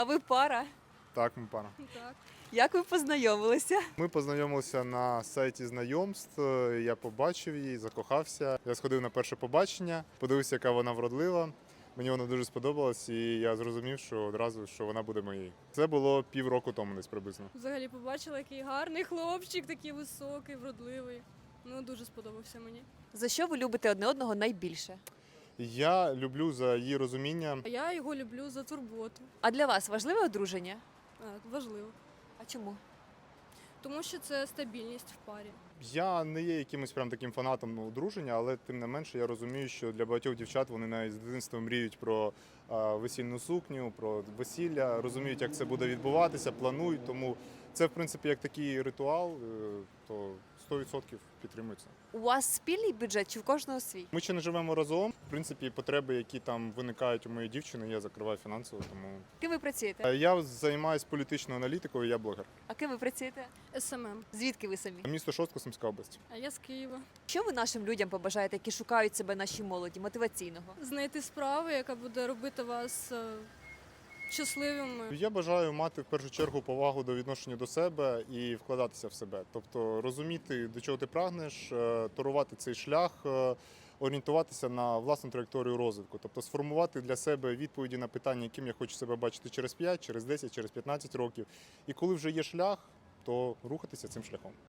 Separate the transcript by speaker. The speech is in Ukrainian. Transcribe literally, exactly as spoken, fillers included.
Speaker 1: А ви пара?
Speaker 2: Так, ми пара.
Speaker 3: Так.
Speaker 1: Як ви познайомилися?
Speaker 2: Ми познайомилися на сайті знайомств. Я побачив її, закохався. Я сходив на перше побачення, подивився, яка вона вродлива. Мені вона дуже сподобалась, і я зрозумів, що одразу що вона буде моєю. Це було півроку тому, десь приблизно.
Speaker 3: Взагалі побачила, який гарний хлопчик, такий високий, вродливий. Ну, дуже сподобався мені.
Speaker 1: За що ви любите одне одного найбільше?
Speaker 2: Я люблю за її розуміння.
Speaker 3: А я його люблю за турботу.
Speaker 1: А для вас важливе одруження?
Speaker 3: А, важливо.
Speaker 1: А чому?
Speaker 3: Тому що це стабільність в парі.
Speaker 2: Я не є якимось прям таким фанатом одруження, але тим не менше я розумію, що для багатьох дівчат вони навіть з дитинства мріють про а, весільну сукню, про весілля, розуміють, як це буде відбуватися, планують. Тому це, в принципі, як такий ритуал, е, то сто відсотків підтримується.
Speaker 1: У вас спільний бюджет чи в кожного свій?
Speaker 2: Ми ще не живемо разом. В принципі, потреби, які там виникають у моєї дівчини, я закриваю фінансово. Тому
Speaker 1: Ким ви працюєте?
Speaker 2: Е, я займаюся політичною аналітикою, я блогер.
Speaker 1: А ким ви працюєте?
Speaker 3: СММ.
Speaker 1: Звідки ви самі?
Speaker 2: Місто Шостка, Сумська область.
Speaker 3: А я з Києва.
Speaker 1: Що ви нашим людям побажаєте, які шукають себе нашій молоді, мотиваційного?
Speaker 3: Знайти справу, яка буде робити вас е, щасливими.
Speaker 2: Я бажаю мати в першу чергу повагу до відношення до себе і вкладатися в себе. Тобто розуміти, до чого ти прагнеш, е, торувати цей шлях, е, орієнтуватися на власну траєкторію розвитку. Тобто сформувати для себе відповіді на питання, яким я хочу себе бачити через п'ять, через десять, через п'ятнадцять років. І коли вже є шлях, то рухатися цим шляхом.